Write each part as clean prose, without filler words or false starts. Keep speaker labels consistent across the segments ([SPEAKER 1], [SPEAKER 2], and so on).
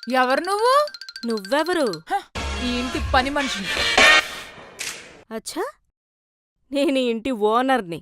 [SPEAKER 1] ఎవరు నువ్వు?
[SPEAKER 2] నువ్వెవరు?
[SPEAKER 1] హ, ఈ ఇంటి పని మనిషిని.
[SPEAKER 2] అచ్చా, నేను ఈ ఇంటి ఓనర్ని.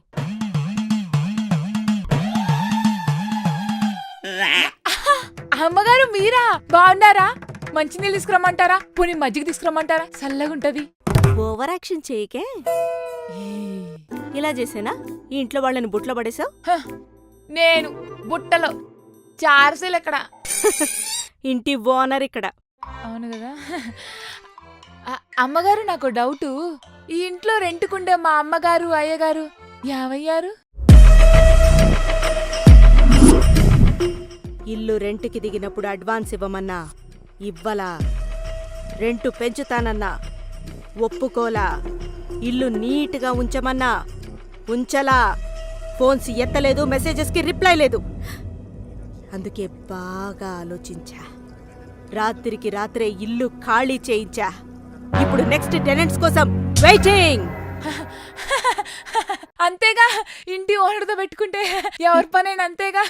[SPEAKER 1] అమ్మగారు మీరా? బాగున్నారా? మంచినీళ్ళు తీసుకురమ్మంటారా? పోనీ మజ్జిగ తీసుకురమ్మంటారా? చల్లగుంటది.
[SPEAKER 2] Over action చేయకే. ఇలా చేసేనా ఈ ఇంట్లో వాళ్ళని బుట్లో పడేసావు?
[SPEAKER 1] హ, నేను బుట్టలో చార్సీలు ఎక్కడ?
[SPEAKER 2] ఇంటి ఓనర్ ఇక్కడ.
[SPEAKER 1] అవును కదా. అమ్మగారు నాకు డౌటు, ఈ ఇంట్లో రెంట్కుండే మా అమ్మగారు అయ్యగారు ఏమయ్యారు?
[SPEAKER 2] ఇల్లు రెంట్కి దిగినప్పుడు అడ్వాన్స్ ఇవ్వమన్నా ఇవ్వలా, రెంటు పెంచుతానన్నా ఒప్పుకోలా, ఇల్లు నీట్గా ఉంచమన్నా ఉంచలా, ఫోన్స్ ఎత్తలేదు, మెసేజెస్కి రిప్లై లేదు. అందుకే బాగా ఆలోచించా, రాత్రికి రాత్రే ఇల్లు ఖాళీ చేయించా. ఇప్పుడు నెక్స్ట్ టెనెంట్స్ కోసం వెయిటింగ్.
[SPEAKER 1] అంతేగా, ఇంటి ఓనర్తో పెట్టుకుంటే ఎవరి పనైనా అంతేగా.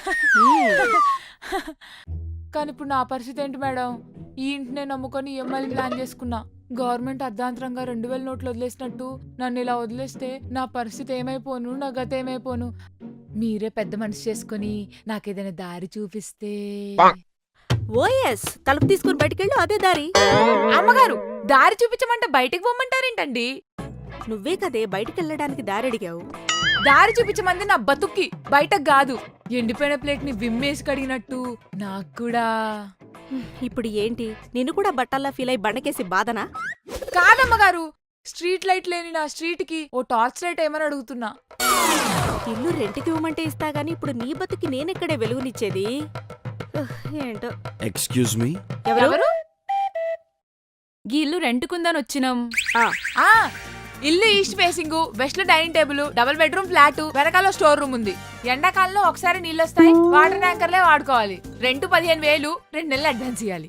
[SPEAKER 1] కానీ ఇప్పుడు నా పరిస్థితి ఏంటి మేడం? ఈ ఇంటినే నమ్ముకొని ఈఎంఐలు ప్లాన్ చేసుకున్నా. గవర్నమెంట్ అర్ధాంతరంగా 2000 నోట్లు వదిలేసినట్టు నన్ను ఇలా వదిలేస్తే నా పరిస్థితి ఏమైపోను, నా గత ఏమైపోను? మీరే పెద్ద మనసు చేసుకుని నాకేదైనా దారి చూపిస్తే.
[SPEAKER 2] ఓఎస్, తలుపు తీసుకుని బయటికెళ్ళు, అదే దారి.
[SPEAKER 1] అమ్మగారు, దారి చూపించమంటే బయటికి పోమంటారేంటండి?
[SPEAKER 2] నువ్వే కదే బయటికెళ్ళడానికి దారి అడిగావు.
[SPEAKER 1] దారి చూపించమంది నా బతుక్కి, బయటకు కాదు. ఎండిపోయిన ప్లేట్ ని విమ్మేసి కడిగినట్టు నాకు కూడా.
[SPEAKER 2] ఇప్పుడు ఏంటి, నిన్ను కూడా బట్టల్లా ఫీల్ అయి బండకేసి బాధనా?
[SPEAKER 1] కాదమ్మగారు, స్ట్రీట్ లైట్ లేని నా స్ట్రీట్ కి ఓ టార్చ్ లైట్ ఏమని అడుగుతున్నా.
[SPEAKER 2] ఇల్లు రెంట్కి ఇవ్వమంటే ఇస్తా గానీ ఇప్పుడు నీ బతుకి నేనెక్కడే వెలుగునిచ్చేది? ఏంటో.
[SPEAKER 3] ఎక్స్క్యూజ్ మీ,
[SPEAKER 2] ఎవరు?
[SPEAKER 1] గీ ఇల్లు రెంట్కుందని వచ్చినాం.
[SPEAKER 2] ఆ,
[SPEAKER 1] ఇల్లు ఈస్ట్ ఫేసింగ్, వెస్ట్ లో dining table, double bedroom flat, వెనకాల స్టోర్ రూమ్ ఉంది. ఎండాకాలంలో ఒకసారి నీళ్ళు వస్తాయి, వాటర్ ట్యాంకర్లే వాడుకోవాలి. రెంట్ 15,000, 2 నెలలు అడ్వాన్స్ ఇవ్వాలి.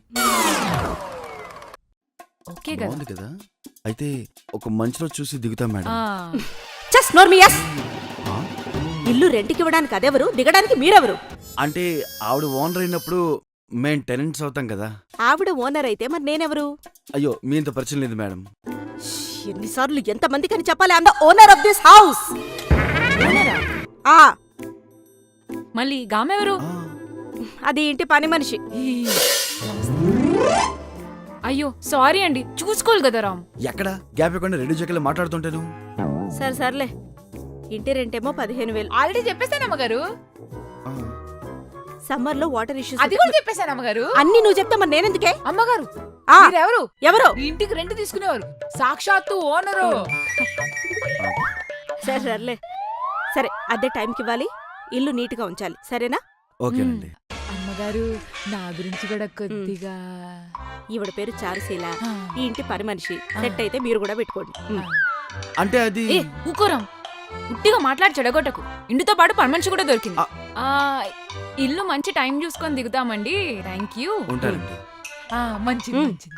[SPEAKER 1] ఓకే కదా?
[SPEAKER 3] బాగుంది కదా. అయితే ఒక మంచి రోజు చూసి దిగుతాం మేడం.
[SPEAKER 2] జస్ట్ నోర్మియస్. ఇల్లు రెంట్కి ఇవ్వడానికి అదెవరు, దిగడానికి మీరెవరు?
[SPEAKER 3] అంటే ఆవిడ ఓనర్ అయినప్పుడు మేం టెనెంట్స్ అవుతాం కదా.
[SPEAKER 2] ఆవిడ ఓనర్ అయితే మరి నేనెవరు?
[SPEAKER 3] అయ్యో, మీ ఇంత పరిచయం లేదు మేడం.
[SPEAKER 2] ఎన్నిసార్లు ఎంతమందికి అని చెప్పాలి? I'm the owner of this house.
[SPEAKER 1] మళ్ళీ గామెవరు?
[SPEAKER 2] అది ఇంటి పని మనిషి.
[SPEAKER 1] అయ్యో సారీ అండి, చూసుకోవాలి కదా రామ్.
[SPEAKER 3] ఎక్కడ గ్యాప్ ఇవ్వకుండా రెడీ చెక్కలు మాట్లాడుతుంటాను.
[SPEAKER 2] సరే సర్లే, ఇంటి రెంటేమో 15,000.
[SPEAKER 1] ఆల్రెడీ చెప్పేశాను అమ్మగారు.
[SPEAKER 2] సమ్మర్ లో వాటర్ ఇష్యూస్.
[SPEAKER 1] అది కూడా చెప్పేశాను అమ్మగారు.
[SPEAKER 2] అన్ని నువ్వు చెప్తా మరి నేనెందుకే?
[SPEAKER 1] అమ్మగారు, ఎవరు
[SPEAKER 2] ఎవరు
[SPEAKER 1] ఈ ఇంటికి రెంట్ తీసుకునేవారు? సాక్షాత్తు ఓనరు.
[SPEAKER 2] సరే సర్లే, సరే అదే టైంకి ఇవ్వాలి, ఇల్లు నీట్ గా ఉంచాలి, సరేనా?
[SPEAKER 3] ఓకేనండి.
[SPEAKER 1] అమ్మగారు, నా గురించి కూడా కొద్దిగా.
[SPEAKER 2] ఈవిడ పేరు చారుశీల, ఈ ఇంటి పని మనిషి. సెట్ అయితే మీరు కూడా పెట్టుకోండి.
[SPEAKER 3] అంటే అది
[SPEAKER 1] ఊకోరం, ఉట్టిగా మాట్లాడి చెడగొట్టకు. ఇంటితో పాటు పని మనిషి కూడా దొరికింది. ఇల్లు మంచి టైం చూసుకొని దిగుతామండి. Thank you.
[SPEAKER 3] ఉంటానండి.
[SPEAKER 1] మంచిది మంచిది.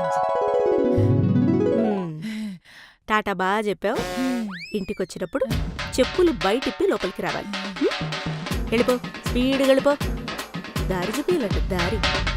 [SPEAKER 2] టాటా బాగా చెప్పావు. ఇంటికొచ్చినప్పుడు చెప్పులు బయటిప్పి లోపలికి రావాలి. వెళ్ళిపో, స్పీడ్ వెళ్ళిపో. దారి చూపియాలంట, దారి.